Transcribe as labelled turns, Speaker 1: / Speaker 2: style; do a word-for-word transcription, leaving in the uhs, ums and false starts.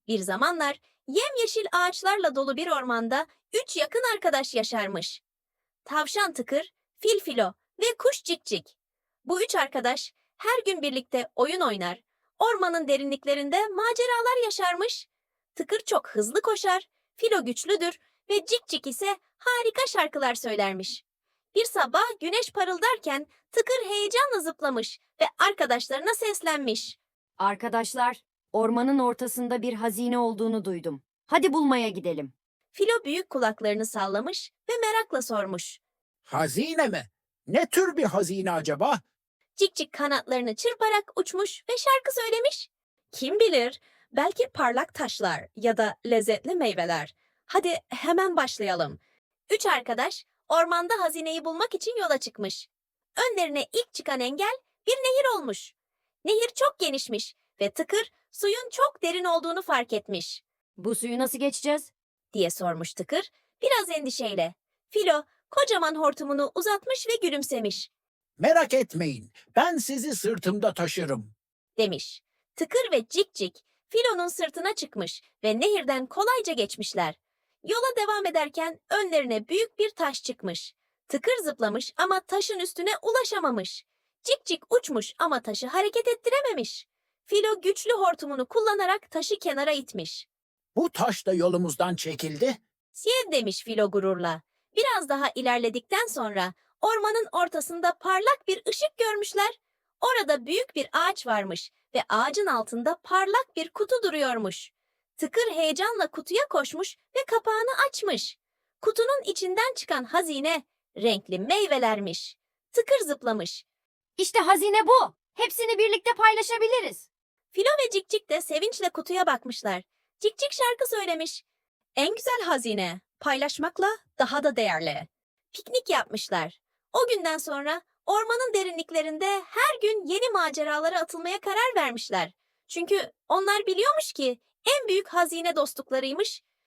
Speaker 1: Bir zamanlar yemyeşil ağaçlarla dolu bir ormanda üç yakın arkadaş yaşarmış. Tavşan Tıkır, Fil Filo ve Kuş Cikcik. Bu üç arkadaş her gün birlikte oyun oynar, ormanın derinliklerinde maceralar yaşarmış. Tıkır çok hızlı koşar, Filo güçlüdür ve Cikcik ise harika şarkılar söylermiş. Bir sabah güneş parıldarken Tıkır heyecanla zıplamış ve arkadaşlarına seslenmiş.
Speaker 2: Arkadaşlar, ormanın ortasında bir hazine olduğunu duydum. Hadi bulmaya gidelim.
Speaker 1: Filo büyük kulaklarını sallamış ve merakla sormuş.
Speaker 3: Hazine mi? Ne tür bir hazine acaba?
Speaker 1: Cikcik kanatlarını çırparak uçmuş ve şarkı söylemiş. Kim bilir, belki parlak taşlar ya da lezzetli meyveler. Hadi hemen başlayalım. Üç arkadaş ormanda hazineyi bulmak için yola çıkmış. Önlerine ilk çıkan engel bir nehir olmuş. Nehir çok genişmiş ve Tıkır suyun çok derin olduğunu fark etmiş.
Speaker 2: Bu suyu nasıl geçeceğiz?
Speaker 1: Diye sormuş Tıkır biraz endişeyle. Filo kocaman hortumunu uzatmış ve gülümsemiş.
Speaker 3: Merak etmeyin, ben sizi sırtımda taşırım.
Speaker 1: Demiş. Tıkır ve Cikcik Filo'nun sırtına çıkmış ve nehirden kolayca geçmişler. Yola devam ederken önlerine büyük bir taş çıkmış. Tıkır zıplamış ama taşın üstüne ulaşamamış. Cikcik uçmuş ama taşı hareket ettirememiş. Filo güçlü hortumunu kullanarak taşı kenara itmiş.
Speaker 3: Bu taş da yolumuzdan çekildi.
Speaker 1: Siye demiş Filo gururla. Biraz daha ilerledikten sonra ormanın ortasında parlak bir ışık görmüşler. Orada büyük bir ağaç varmış ve ağacın altında parlak bir kutu duruyormuş. Tıkır heyecanla kutuya koşmuş ve kapağını açmış. Kutunun içinden çıkan hazine renkli meyvelermiş. Tıkır zıplamış.
Speaker 2: İşte hazine bu. Hepsini birlikte paylaşabiliriz.
Speaker 1: Filo ve Cikcik de sevinçle kutuya bakmışlar. Cikcik şarkı söylemiş. En güzel hazine, paylaşmakla daha da değerli. Piknik yapmışlar. O günden sonra ormanın derinliklerinde her gün yeni maceralara atılmaya karar vermişler. Çünkü onlar biliyormuş ki en büyük hazine dostluklarıymış